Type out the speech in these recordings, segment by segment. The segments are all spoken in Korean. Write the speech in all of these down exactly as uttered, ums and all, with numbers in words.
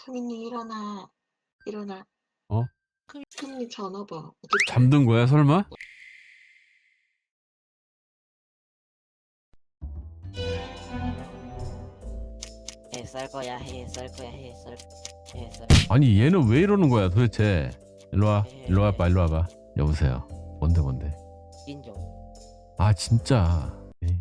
크민님 일어나. 일어나. 어? 크민님 전화 봐. 잠든 거야 설마? 해 썰 거야 해 썰 거야 해 썰 해 썰. 아니 얘는 왜 이러는 거야 도대체. 일로와 일로 와봐 일로 와봐. 여보세요. 뭔데 뭔데. 인종. 아 진짜. 에이.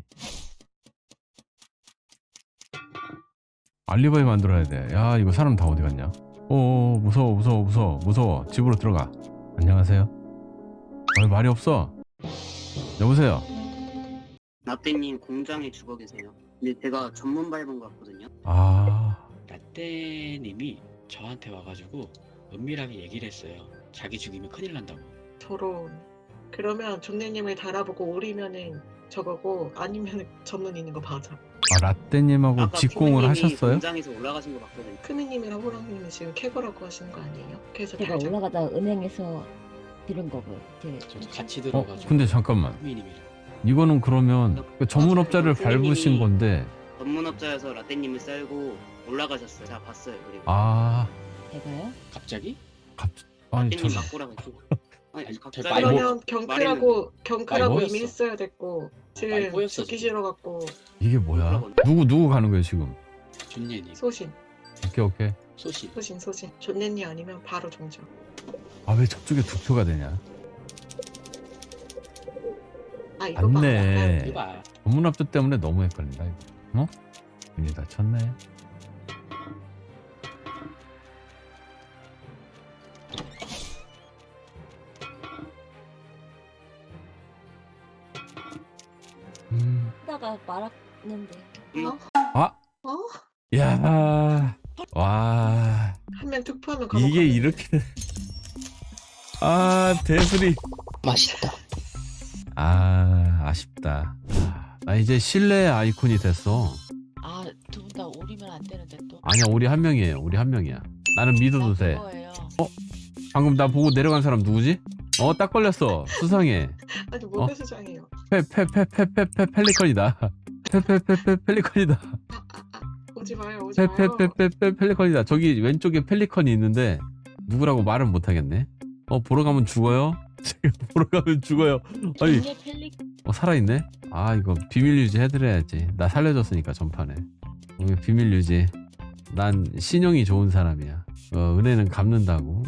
알리바이 만들어야 돼. 야 이거 사람 다 어디 갔냐. 어 무서워 무서워 무서워 무서워. 집으로 들어가. 안녕하세요. 왜 말이 없어. 여보세요. 라떼님 공장에 죽어 계세요. 근데 제가 전문 밟은 것 같거든요. 아 라떼님이 저한테 와가지고 은밀하게 얘기를 했어요. 자기 죽이면 큰일 난다고. 저런. 그러면 존내님을 달아보고 오리면은 저거고 아니면 전문 있는 거 맞아. 아, 라떼님하고 아까 직공을 크미님이 하셨어요? 공장에서 올라가신 것 같거든요. 크민님이랑 호랑님이 지금 캐거라고 하시는 거 아니에요? 그래서 제가 달자. 올라가다 은행에서 들은 거고요. 제 저도 같이 어 들어가지고. 근데 잠깐만. 후미님이랑. 이거는 그러면 그 전문업자를 밟으신 건데. 전문업자여서 라떼님을 썰고 올라가셨어요. 제가 봤어요. 그리고 아 제가요? 갑자기? 갑 아니 저 라떼님 막고라고 했고. 아니 아니, 갑자기 저 말고- 그러면 경크라고 경크라고 말고였어. 이미 했어야 됐고 지금 말고였어, 죽기 지금. 싫어갖고 이게 뭐야? 누구 누구 가는 거예요 지금? 존예님, 소신 오케이 오케이. 소시. 소신 소신 존내님 아니면 바로 종정. 아 왜 저쪽에 두 표가 되냐? 아 이거 봐. 맞네. 이거 봐. 전문업자 때문에 너무 헷갈린다 이거. 어? 괜히 다쳤네. 음. 하다가 말았는데 아. 어? 야. 와. 한 명 투표하면 감옥 이게 가는데. 이렇게. 아 대수리. 맛있다. 아 아쉽다. 아, 나 이제 실내 아이콘이 됐어. 아, 두 분 다 오리면 안 되는데 또. 아니야 우리 한 명이에요. 우리 한 명이야. 나는 믿어도 돼. 그거예요. 방금 나 보고 내려간 사람 누구지? 어 딱 걸렸어. 수상해. 아니 어? 뭔데 수장이에요. 페페페페페페 펠리컨이다. 페페페페 펠리컨이다. 오지 마요 오지 마요. 페페페페페 펠리컨이다. 저기 왼쪽에 펠리컨이 있는데 누구라고 말은 못하겠네. 어 보러 가면 죽어요? 지금 보러 가면 죽어요. 아니 존예 펠리 어 살아있네? 아 이거 비밀 유지 해드려야지. 나 살려줬으니까 전판에. 어, 비밀 유지. 난 신용이 좋은 사람이야. 어, 은혜는 갚는다고.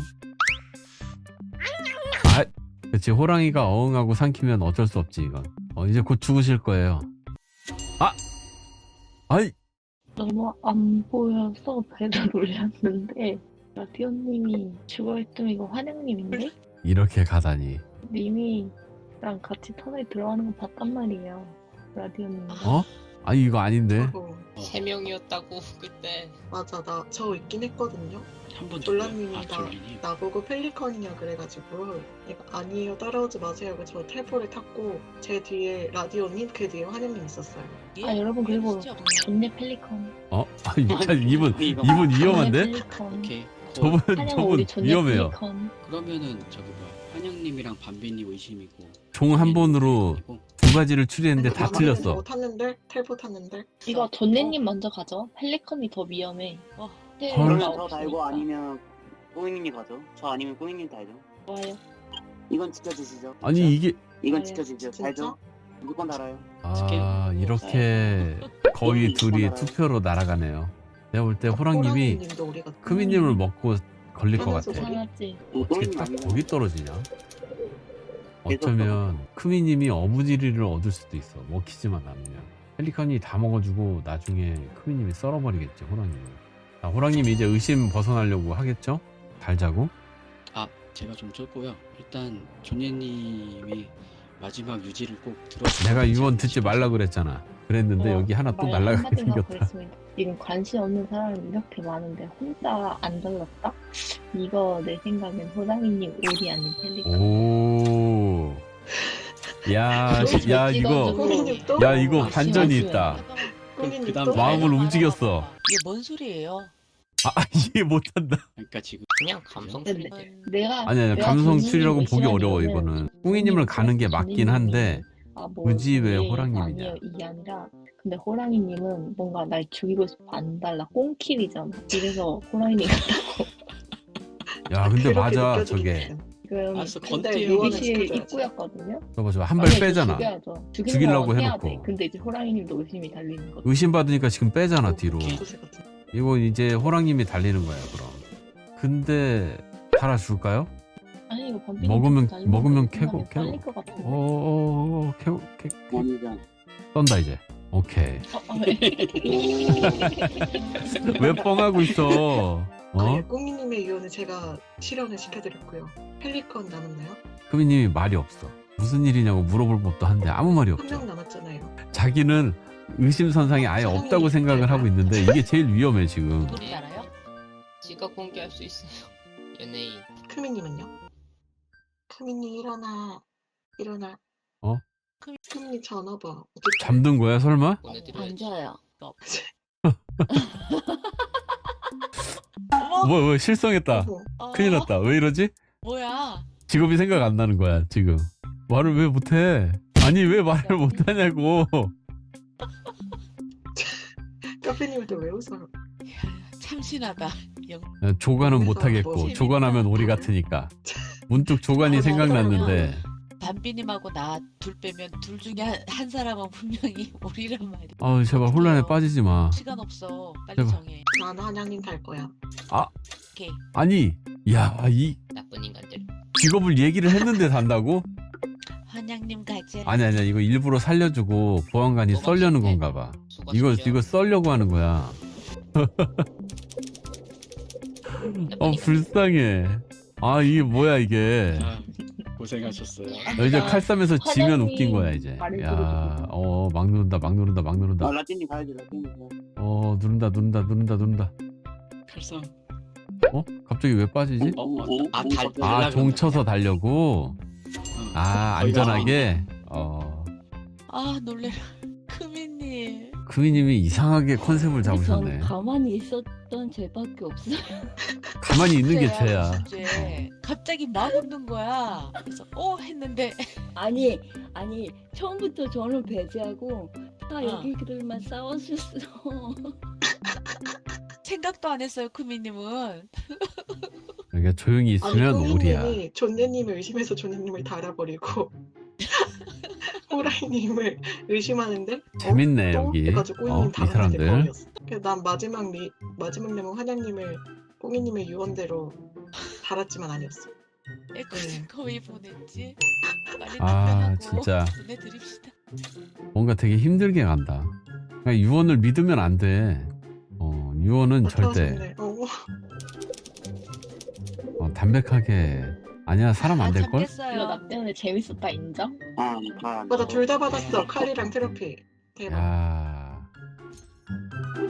아 그치 호랑이가 어흥하고 삼키면 어쩔 수 없지 이건. 어 이제 곧 죽으실 거예요. 아! 아이! 너무 안 보여서 배를 올렸는데 라디오님이 죽어있으면 이거 환영님인데? 이렇게 가다니. 님이랑 같이 터널에 들어가는 거 봤단 말이에요. 라디오님. 어? 아니 이거 아닌데. 저거. 세 명이었다고 그때. 맞아 나 저 있긴 했거든요. 한번 졸라님이 아, 나 졸리님. 나보고 펠리컨이냐 그래가지고 내가 아니에요 따라오지 마세요 하고 저 텔포를 탔고 제 뒤에 라디오님 그 뒤에 환영님 있었어요. 아 여러분 그리고 진짜 존내 펠리컨. 어? 아니 이분 이거 이분 존내 위험한데? 펠리컨. 오케이. 저분 환영 저분 우리 존내 위험해요. 펠리컨. 그러면은 저기 뭐야 환영님이랑 반비님 의심이고. 종 한 번으로 두 가지를 추리했는데 다 아니, 틀렸어. 뭐 탔는데 텔포 탔는데 이거 존내님 먼저 가죠. 펠리컨이 더 위험해. 어. 네, 헐. 그러면 나 저 달고 없으니까. 아니면 꼬잉님이 가죠. 저 아니면 꼬잉님 달죠. 좋아요. 이건 지켜주시죠. 아니 이게 이건 네, 지켜주시죠. 진짜? 달죠. 무조건 달아요. 아 이렇게 거의 둘이 투표로 날아가네요. 내가 볼 때 호랑님이 호랑이님도 우리가 크미님을 먹고 걸릴 것 같아. 이상하지. 어떻게 꼬잉님 딱 아니면 거기 떨어지냐? 어쩌면 크미님이 어부지리를 얻을 수도 있어. 먹히지만 않으면. 펠리컨이 다 먹어주고 나중에 크미님이 썰어버리겠지 호랑님을. 자, 호랑님이 이제 의심 벗어나려고 하겠죠? 달자고. 아 제가 좀 쫄고요. 일단 존예님이 마지막 유지를 꼭 들어. 내가 이번 듣지 말라 그랬잖아. 그랬는데 어, 여기 하나 또 말 날라가게 한마디만 생겼다. 그랬습니다. 지금 관심 없는 사람이 이렇게 많은데 혼자 안 달랐다? 이거 내 생각엔 호랑이님 오리 아닌 펠리컨. 오. 야, 또 야 잘 이거 찍어주고. 호랑이님 또? 야 이거 아, 반전이 심하지. 있다. 호랑이님 그다음 또? 마음을 말해봐, 움직였어. 말해봐. 이게 뭔 소리예요? 아 이해 못한다. 그러니까 지금 그냥 감성 네, 추리인데. 내가 아니 아니 내가 감성 존님을 추리라고 보기 의심한 어려워 이유는 이거는. 뿡이님을 가는 게 맞긴 한데 아, 뭐 굳이 왜 예, 호랑님이냐? 아니에요 이게 아니라 근데 호랑이님은 뭔가 날 죽이고 싶어 안 달라 꽁킬이잖아. 이래서 호랑이님 같다고. 야 근데 그렇게 맞아 느껴지긴 저게. 해요. 지금 알았어, 근데 건띠 요거는 대기실 지켜줘야지. 입구였거든요. 저거 저거 한 발 아니, 빼잖아. 죽여야죠. 죽이는 죽이려고 건 해야 해놓고. 돼. 근데 이제 호랑이님도 의심이 달리는 거죠. 의심받으니까 지금 빼잖아 뒤로. 도세 같은. 이거 이제 호랑님이 달리는 거야 그럼. 근데 달아줄까요? 아니 이거 범핑 먹으면- 먹으면 캐고- 캐고. 빨릴 것 같은데. 어어어 캐, 캐, 캐. 원장. 떤다 이제. 오케이. 어, 어, 네. 왜 뻥하고 있어? 어? 아니, 꾸미님의 유언을 제가 실현을 시켜드렸고요. 펠리컨 남았나요? 크미님이 말이 없어. 무슨 일이냐고 물어볼 법도 한데 아무 말이 한 없죠. 명 남았잖아요. 자기는 의심선상이 아예 사람이 없다고 생각을 하고 있는데 이게 제일 위험해 지금. 누군지 알아요? 지가 공개할 수 있어요. 연예인. 크미님은요? 크미님 일어나. 일어나. 어? 크미님 전화 봐. 잠든 거야 설마? 안 보내드려야지. 자요. 어머, 뭐, 뭐 실성했다. 어머, 어, 큰일 났다. 왜 이러지? 뭐야? 직업이 생각 안 나는 거야 지금. 말을 왜 못해? 아니 왜 말을 못하냐고. 카페님은 또 왜 웃어요? 참신하다. 영... 조간은 그래서 못하겠고 뭐 조간하면 오리 같으니까. 문득 조간이 아, 생각났는데 담비님하고 나 둘 빼면 둘 중에 한, 한 사람은 분명히 우리란 말이야. 아우 제발 혼란에 빠지지 마. 시간 없어. 빨리 제발. 정해. 난 한양님 갈 거야. 오케이. 아니 야 이 나쁜 인간들. 직업을 얘기를 했는데 산다고? 한양님 가지. 아니 아니야 이거 일부러 살려주고 보안관이 뭐가 썰려는 없었네. 건가 봐. 수고하십시오. 이거 이거 썰려고 하는 거야. 어 불쌍해. 아 이게 뭐야 이게. 아, 고생하셨어요. 너 이제 칼싸면서 지면 화장이 웃긴 거야 이제. 말을 야, 어 막 누른다 막 누른다 막 누른다. 아 라틴님 가야지 라틴님. 어 누른다 누른다 누른다 누른다. 칼상. 어? 갑자기 왜 빠지지? 어, 어, 아, 어, 달- 어, 아 달라고 종 한다. 쳐서 달려고. 아 거의 다 안전하게. 어 아 놀래라. 크미님. 크미님이 이상하게 컨셉을 근데 전 잡으셨네. 가만히 있었던 죄밖에 없어요. 가만히 있는 게 죄야, 죄야. 무슨 죄. 갑자기 막 웃는 거야. 그래서 어 했는데 아니 아니 처음부터 저는 배제하고 다 어. 여기들만 싸웠었어. 생각도 안 했어요. 크미님은. 그러니까 조용히 아니 있으면 오리야. 꾸미님이 존예님을 의심해서 존예님을 달아버리고 호라이님을 의심하는데 재밌네 어? 또? 여기. 해가지고 어, 꾸미님 이 달았는데 사람들. 거기였어. 그래서 난 마지막 리, 마지막 내용 한양님을 꾸미님의 유언대로 달았지만 아니었어. 에코는 거의 보냈지. 빨리 아, 답변하고 진짜. 보내드립시다. 뭔가 되게 힘들게 간다. 그러니까 유언을 믿으면 안 돼. 어, 유언은 절대 나타나셨네. 어. 어, 담백하게. 아니야 사람 안 아, 될 걸? 이거 잠겠어요. 나 때문에 재밌었다 인정? 아, 아, 맞아 둘 다 받았어. 칼이랑 트로피. 대박. 야.